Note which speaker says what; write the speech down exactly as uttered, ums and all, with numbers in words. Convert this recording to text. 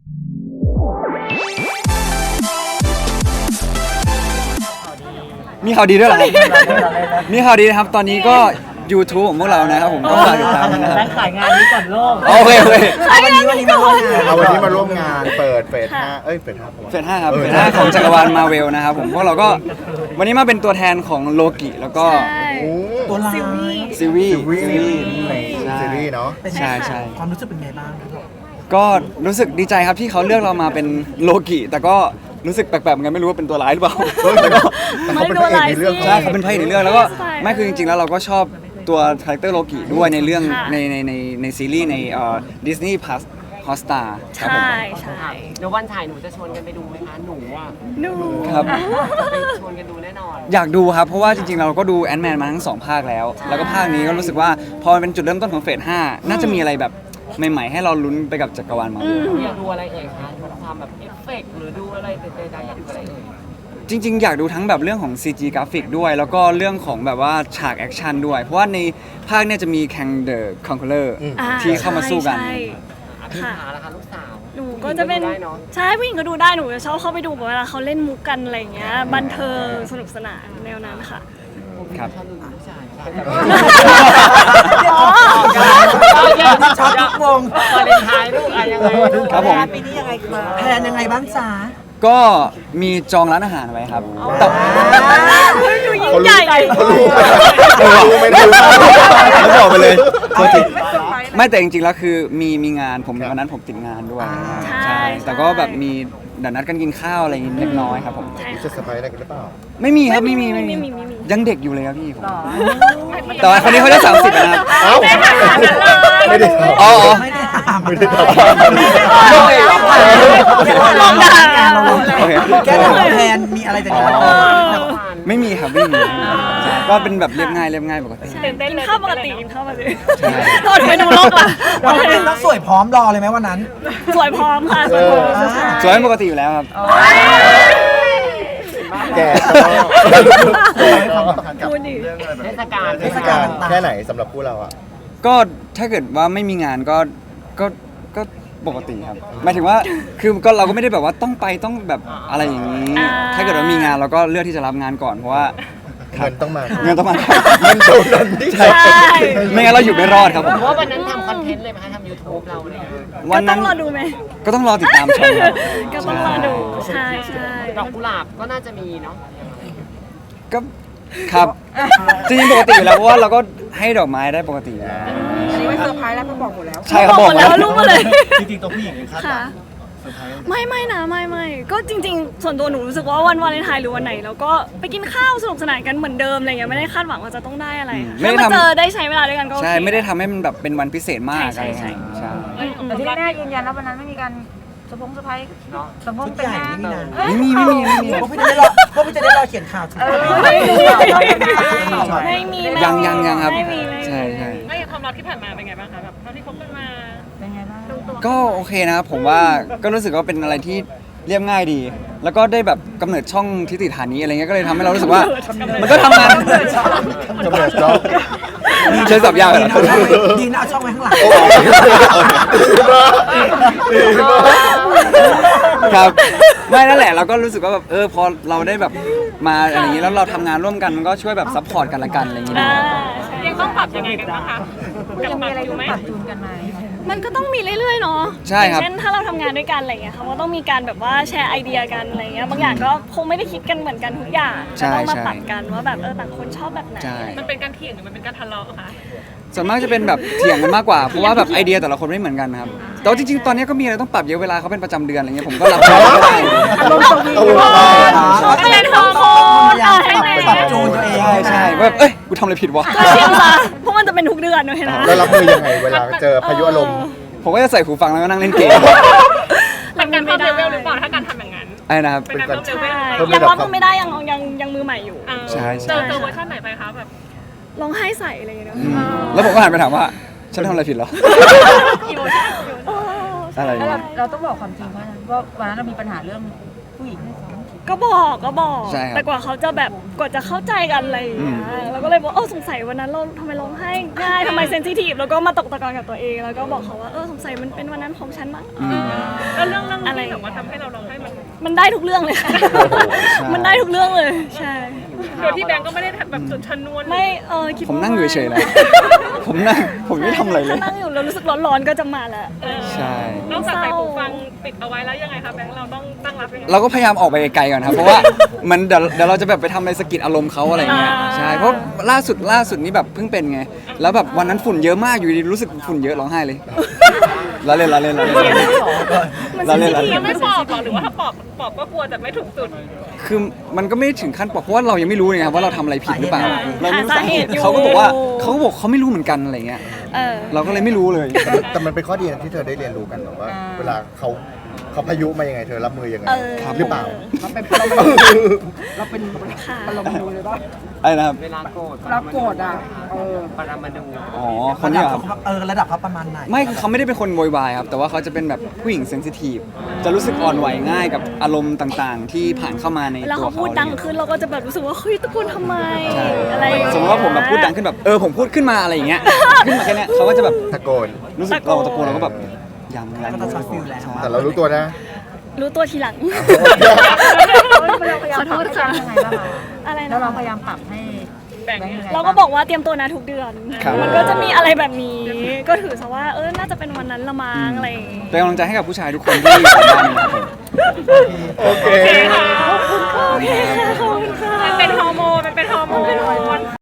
Speaker 1: มีข่าวดีด้วยเหรอครับมีข่าวดีนะครับตอนนี้ก็ YouTube ของพวกเรานะครับผมก็ฝากติดตามด้วยนะครับ
Speaker 2: ร้านขายงานนี้ก่อนโลก
Speaker 1: โอเคโอเค
Speaker 3: วันนี้วันนี้มาร่วมงานเอาวันนี้มาร่วมงานเปิดเฟสห้าเอ้ยเฟสห้า
Speaker 1: เฟสห้าครับเฟสห้าของจักรวาลมาเวลนะครับผมพวกเราก็วันนี้มาเป็นตัวแทนของโลกิแล้วก็
Speaker 3: ตัวลาย
Speaker 1: ซิวี
Speaker 3: ซีรีส์
Speaker 1: ซีรีส์
Speaker 3: ซีรีส์เนาะ
Speaker 1: ใช่ใช่
Speaker 2: ความรู้สึกเป็นไงบ้างครับ
Speaker 1: ก็รู้สึกดีใจครับที่เขาเลือกเรามาเป็นโลกิแต่ก็รู้สึกแปลกๆเหมือนกันไม่รู้ว่าเป็นตัวร้ายหรือเปล่า
Speaker 3: แต่ก็แต่เขาเป็นพระเอกในเรื่อง
Speaker 1: ใช่เขาเป็นพระเอกในเรื่องแล้วก็ไม่คือจริงๆแล้วเราก็ชอบตัวคาแรคเตอร์โลกิด้วยในเรื่องในในในในซีรีส์ในเอ่อดิสนีย์พลัสฮอสตาครับผม
Speaker 4: ใช่ใช่
Speaker 5: เดี๋ยววันฉายหนูจะชวนกันไปดูไหมคะ หนูอ่ะ
Speaker 4: หนู
Speaker 1: ครับ
Speaker 5: ไปชวนกันดูแน่นอน
Speaker 1: อยากดูครับเพราะว่าจริงๆเราก็ดูแอนด์แมนมาทั้งสองภาคแล้ว แล้วก็ภาคนี้ก็รู้สึกว่าพอมันเป็นจุดเริ่มต้นของเฟสห้าน่าจะมีอะไรแบบใหม่ๆให้เราลุ้นไปกับจักรวาลมาเวล
Speaker 5: อยากดูอะไรเอ่ยคะดูความแบบเอฟเฟกต์หรือดูอะไรใดๆอยากดูอะไรเอ่ย
Speaker 1: จริงๆ อยากดูทั้งแบบเรื่องของ ซี จี กราฟิกด้วย แล้วก็เรื่องของแบบว่าฉากแอคชั่นด้วย เพราะว่าในภาคเนี้ยจะมีแคงเดอะคอนเคอร์
Speaker 4: อ่า
Speaker 1: ที่เข้ามาสู้กัน
Speaker 4: ใช่
Speaker 5: อาทิตย์ขาแล้วค่ะลูกสาว
Speaker 4: หนูก็จะเป็น
Speaker 5: ได้เนาะ
Speaker 4: ใช่ผู้หญิงก็ดูได้หนูจะชอบเข้าไปดูแบบเวลาเขาเล่นมุกกันอะไรอย่างเงี้ยบันเทิงสนุกสนานแนวนั้นค่ะ
Speaker 1: ครับ
Speaker 5: ชอบดูลูกชายค่ะ
Speaker 4: อ๋อ
Speaker 2: ช็อตทุกวง
Speaker 5: วาเลนไทน์ลูกอะยังไงลูก
Speaker 1: ครับผม
Speaker 2: ปีนี้ยังไงคะแพลนยังไงบ้างจ๊ะ
Speaker 1: ก็มีจองร้านอาหารไว้ครับแต่
Speaker 4: เฮ้ยดูยิ่ง
Speaker 3: เขา
Speaker 4: ให
Speaker 3: รู้
Speaker 4: ญ่
Speaker 3: เขารู้เขารู้ไม่ได้รู้
Speaker 1: เขาบอกไปเลยโทษทีไม่แต่จริงๆ แล้วคือมีมีงานผมวันนั้นผมติดงานด้วย
Speaker 4: ใช่
Speaker 1: แต่ก็แบบมีเดี๋ยวนัดกันกินข้าวอะไรอย่างงี้เล็กน้อยครับผม
Speaker 4: ใช่
Speaker 3: จะสบายอะไรกันหรือเปล่า
Speaker 1: ไม่มีครับไม่มี
Speaker 4: ไม่
Speaker 1: ไม่
Speaker 4: มี
Speaker 1: มี
Speaker 4: ไม่มีไม่มี
Speaker 1: ยังเด็กอยู่เลยครับพี่ผมแต่ว่าคนนี้เขาได้สามสิบแล้วนะครับ
Speaker 3: เอ้าไม่ได้ทำ
Speaker 1: อ๋ออ๋อ
Speaker 2: ไม่ได้ถาม
Speaker 3: ไม่ได้ท
Speaker 4: ลองด่า
Speaker 1: โอเค
Speaker 2: แค่ถามแพลนมีอะไรแต่งงาน
Speaker 4: เออ
Speaker 1: ไม่มีครับไม่มีใช่ก็เป็นแบบเรียบง่ายเรียบง่ายปกติ
Speaker 4: ตื่นเต้นกินข้าวปกติกินข้าวปกติ
Speaker 1: ใช่
Speaker 4: โทษไปดูโลกว่ะ
Speaker 2: วันนั้นต้องสวยพร้อมรอเลยไหมวันนั้น
Speaker 4: สวยพร้อมค่ะสวยพร้อมใช่
Speaker 1: สวยเป็นปกติอยู่แล้วครับ
Speaker 3: ำแก่ก็
Speaker 4: พูดดิ
Speaker 5: เทศกาล
Speaker 3: เทศกาลแค่ไหนสำหรับคู่เราอ่ะ
Speaker 1: ก็ถ้าเกิดว่าไม่มีงานก็ก็ก็ปกติครับหมายถึงว่าคือก็เราก็ไม่ได้แบบว่าต้องไปต้องแบบอะไรอย่างนี้ ถ้าเกิดว่ามีงานเราก็เลือกที่จะรับงานก่อนเพราะว่า
Speaker 3: เงินต้องมา
Speaker 1: เงินต้องมา
Speaker 3: เงินเท่านั้นที่
Speaker 1: ใช่ไม่งั้นเราอยู่ไม่รอดครับผม
Speaker 5: เพราะว่าวันนั้นทำคอนเทนต์เลยไหมคะทำยูทูบเราเนี่ย
Speaker 1: วัน
Speaker 4: ก็ต้
Speaker 1: นั้
Speaker 4: อน งรอดูไหม
Speaker 1: ก็ต้องรอติดตามชมครับ
Speaker 4: ก็ต้องรอดูใช่ใช่
Speaker 5: ดอกกุหลาบก็น่าจะมีเนาะ
Speaker 1: ก็ครับจริงๆปกติอยู่แล้วเพราะว่าเราก็ให้ดอกไม้ได้ปกติอยู่แล้ว
Speaker 6: อันนี้ไม่เซอร์ไพรส์แล้วก็บอกหมดแล้ว
Speaker 1: ใช่เขาบอก
Speaker 4: หมดแล้วรู้มาเลย
Speaker 2: จริงๆตัวผู้หญิงคาดหวั
Speaker 4: ค่ะ
Speaker 2: งเซอร์ไพรส์
Speaker 4: ไม่ไม่นะไม่ไม่ก็จริง ๆ ส่วนตัวหนูรู้สึกว่าวันวาเลนไทน์หรือวันไหนเราก็ไปกินข้าวสนุกสนานกันเหมือนเดิมอะไรเงี้ยไม่ได้คาดหวังว่าจะต้องได้อะไร
Speaker 1: ไม่
Speaker 4: ถ้า
Speaker 1: ได้
Speaker 4: มา
Speaker 1: ทำ
Speaker 4: เจอได้ใช้เวลาด้วยกันก็โอเค
Speaker 1: ใช่ไม่ได้ทำให้มันแบบเป็นวันพิเศษมาก
Speaker 4: ใช่
Speaker 1: อะไร
Speaker 4: ใช่
Speaker 1: อย่างเงี้ยใช่
Speaker 4: อืม
Speaker 6: แต่ที่แน่ๆยืนยันแล้ววันนั้นไม่มีการสะพงสะพายสะพง
Speaker 2: ชุด
Speaker 6: เป็น
Speaker 2: ใหญ่
Speaker 6: งาน
Speaker 2: ไม่มีนะ
Speaker 1: ไม่มีไม่มีไม่มี
Speaker 2: พวกพี่จะได้รอพวกพี่จะได้รอเขียนข่าวถูกไหม
Speaker 4: ไม่มี
Speaker 2: ไม่
Speaker 4: ไม่มี
Speaker 1: ยังยังยังครับ
Speaker 4: ไม่มีไม่มี
Speaker 1: ใช่ใช่
Speaker 4: ไม่ความรักที่ผ่านมาเป็นไงบ้างคะแบบเท่าที่คบกันมา
Speaker 6: เป็นไงบ้าง
Speaker 1: ก็โอเคนะครับผมว่าก็รู้สึกว่าเป็นอะไรที่เรียบง่ายดี แล้วก็ได้แบบกำเนิดช่องทิติฐานีอะไรเงี้ยก็เลยทำให้เรารู้สึกว่า มันก็ทำงาน
Speaker 3: กำเนิดเรา
Speaker 1: ใช้สับยากเลย
Speaker 2: ดีนะเอาช่องไว้ข้างหลัง
Speaker 3: ดีมากดีมาก
Speaker 1: ครับไม่นั่นแหละเราก็รู้สึกว่าแบบเออพอเราได้แบบมาอะไรอย่างนี้แล้วเราทำงานร่วมกันมันก็ช่วยแบบซัพพอร์ตกันละกันอะไรอย่างเงี้ย
Speaker 4: อ่า
Speaker 7: ยังต้องปรับยังไงกันบ้างคะ
Speaker 6: ยังมีอะไรต้องปรับจูนกันไหม
Speaker 4: มันก็ต้องมีเรื่อยๆเนาะ
Speaker 1: ใช่ครับ
Speaker 4: อย่างเช่นถ้าเราทำงานด้วยกันอะไรเงี้ยเขาก็ต้องมีการแบบว่าแชร์ไอเดียกันอะไรเงี้ยบางอย่างก็คงไม่ได้คิดกันเหมือนกันทุกอย่าง
Speaker 1: ใช่
Speaker 4: ก็ต้องมา
Speaker 1: ใช่
Speaker 4: ปรับกันว่าแบบเออต่างคนชอบแบบไหน
Speaker 1: ใช่
Speaker 7: มันเป็นการเถียงหรือมันเป็นการทะเลาะคะ
Speaker 1: ส่วนมากจะเป็นแบบเถียงกันมากกว่าเพราะว่าแบบไอเดียแต่ละคนไม่เหมือนกันนะครับแต่ว่าจริงๆตอนนี้ก็มีอะไรต้องปรับเยอะเวลาเขาเป็นประจำเดือนอะไรเงี้ยผมก็รับได้ก็ได้
Speaker 2: อารมณ์สวีท
Speaker 4: เขาเป็นฮอร์โมน
Speaker 2: พยายา
Speaker 4: อ่ะ
Speaker 2: ม
Speaker 4: ใช่
Speaker 2: ปรับ
Speaker 4: ไหม
Speaker 2: ปรับจูนตัวเอง
Speaker 1: ใช่ใช่ว่าแบบเอ้ยกูทำอะไรผิดวะ
Speaker 4: ก็เชื่อซะเพราะมันจะเป็นทุกเดือนด้วยนะ
Speaker 3: แล้วรับมือยังไงเวลาเจอพายุอารมณ์
Speaker 1: ผมก็จะใส่หูฟังแล้วก็นั่งเล่นเกม
Speaker 7: เป็นการเพิ่มเลเวลหรือเปล่าถ้าการทำอย่างนั้น
Speaker 1: ไอ้นะครับ
Speaker 7: เป็นการเพิ่มเลเวล
Speaker 3: เพิ่ม
Speaker 4: ยัง
Speaker 3: ระดับ
Speaker 4: รับมือไม่ได้ยังยังยังมือใหม่อยู่
Speaker 7: อ่า
Speaker 1: ใช่ใช่
Speaker 7: เจอเจอเวอร์ชันไหนไปคะแบบ
Speaker 4: ร้องไห้ใส่อะไรอย่างเงี้ย
Speaker 1: อืมแล้วผมก็หันไปถามว่าฉันทำอะไรผิดเหรอ
Speaker 7: อีโมชั่น
Speaker 4: เออ
Speaker 1: อะไร
Speaker 6: แล้ว
Speaker 1: เนี่ย
Speaker 6: เราต้องบอกความจริงว่าว่าวันนั้นเรามีปัญหาเรื่องผู้หญิง
Speaker 4: ก็บอกก็บอก
Speaker 1: ใช่ครับ
Speaker 4: แต่กว่าเขาจะแบบกว่าจะเข้าใจกันอะไรอย่างเงี้ยเราก็เลยบอกเออสงสัยวันนั้นเราทำไมร้องไห้ง่ายทำไมเซนซิทีฟแล้วก็มาตกตะกอนกับตัวเองแล้วก็บอกเขาว่าเออสงสัยมันเป็นวันนั้นของฉันมั้ง
Speaker 1: อืม
Speaker 7: แล้วเรื่องเรื่อง
Speaker 4: มันได้ทุกเรื่องเลยค่ะ
Speaker 1: ใช่
Speaker 4: มันได้ทุกเรื่องเลยใช่
Speaker 7: โดยที่แบงก์ก็ไม่ได้แบบจุดชนวน
Speaker 4: ไม่เออคิด
Speaker 1: ผม
Speaker 4: ว่า
Speaker 1: นั่งอยู่เฉยๆนะผมนั่งผมไม่ทำอะไรเลย
Speaker 4: ถ้านั่งอยู่แล้วรู้สึกร้อนๆก็จะมาแล้ว
Speaker 1: ใช่
Speaker 7: นอกจากใส่หูฟังปิดเอาไว้แล้วยังไงคะแบงก์เราต้องตั้งรับยังไง
Speaker 1: เราก็พยายามออกไปไกลๆก่อนครับเพราะว่ามันเดี๋ยวเดี๋ยวเราจะแบบไปทำอะไรสะกิดอารมณ์เขาอะไรเงี้ย
Speaker 4: อ่า
Speaker 1: ใช่เพราะล่าสุดล่าสุดนี้แบบเพิ่งเป็นไงแล้วแบบวันนั้นฝุ่นเยอะมากอยู่ดีรู้สึกฝุ่นเยอะร้องไห้เลยเราเล่นเราเล่นเราเล่นเราเล่น
Speaker 4: มัน
Speaker 1: เราเล่นเรา
Speaker 7: ยั
Speaker 1: เล่
Speaker 7: ง
Speaker 1: น
Speaker 7: ไม่ปอบหรอหรือว่าถ้าปอบปอบก็กลัวแต่ไม่ถูกจุด
Speaker 1: คือมันก็ไม่ได้ถึงขั้นปอกเพราะว่าเรายังไม่รู้เลยครับว่าเราทำอะไรผิดหรือเปล่าเราไม่รู้
Speaker 4: หา
Speaker 1: สา
Speaker 4: สา
Speaker 1: เห
Speaker 4: เห
Speaker 1: ตุ
Speaker 4: ตุอยู่
Speaker 1: เขาก็บอกว่าเขาก็บอกเขาไม่รู้เหมือนกันอะไรเงี้ย
Speaker 4: เออ
Speaker 1: เราก็เลยไม่รู้เลย
Speaker 3: แต่มันแต่มันเป็นข้อดีนะที่เธอได้เรียนรู้กันแบบว่า เวลาเขาเขาพายุมายังไงเธอรับมือยังไง
Speaker 4: เออ
Speaker 3: หรือเปล่า
Speaker 2: เราเป็นเราเป็นเราเป็น
Speaker 4: ค่ะ
Speaker 2: เราเป็นเลยป่ะ
Speaker 1: อะไรนะครับ
Speaker 5: เวลาโกรธ
Speaker 2: เราโกรธอ่ะเออ
Speaker 5: ปรามาดู
Speaker 1: อ๋อคนนี้เหรอครับ
Speaker 2: เออระดับเขาประมาณไหน
Speaker 1: ไม่คือเขาไม่ได้เป็นคนโวยวายครับ แต่ว่าเขาจะเป็นแบบผู้หญิงเซนซิทีฟจะรู้สึกอ่อนไหวง่ายกับอารมณ์ต่างๆ ที่ผ่านเข้ามาใน
Speaker 4: แล้ว
Speaker 1: ตัว
Speaker 4: เขา
Speaker 1: เขา
Speaker 4: พูดดังขึ้นเราก็จะแบบรู้สึกว่าเฮ้ยตะโกนทำไม
Speaker 1: ใช่
Speaker 4: อะไรอย่างเงี้ย
Speaker 1: สมมติว่าผมแบบพูดดังขึ้นแบบเออผมพูดขึ้นมาอะไรอย่างเงี้ยขึ้นมาแค่เนี้ยเขาก็จะแบบ
Speaker 3: ตะโกน
Speaker 1: รู้สึกเราตะโกนเราก็แบบยังยัง
Speaker 2: ก็จะช็อตฟิลแล้ว
Speaker 1: ใช่
Speaker 3: แต่เรารู้ตัวนะ
Speaker 4: รู้ตัวทีหลัง
Speaker 6: เราพยายามปรับให้ยังไงบ้างคะ
Speaker 4: อะไร
Speaker 6: แล้ว
Speaker 4: นะ
Speaker 6: เราพยายามปรับให้
Speaker 7: แบ่ง
Speaker 6: แบงค์ยังไง
Speaker 4: เราก็บอกว่าเตรียมตัวนะทุกเดือน
Speaker 1: ครับ
Speaker 4: มันก็จะมีอะไรแบบนี้ ก็ถือซะว่าเออน่าจะเป็นวันนั้นละมั้งอะไรอย่างงี้
Speaker 1: เป็นกำลังใจให้กับผู้ชายทุกคนที่อยู่ในบ้านนะครับผม
Speaker 3: โอเค
Speaker 4: โอเคค่ะขอบคุณค่ะ
Speaker 7: มันเป็นฮอร์โมนมันเป็นฮอร์โมน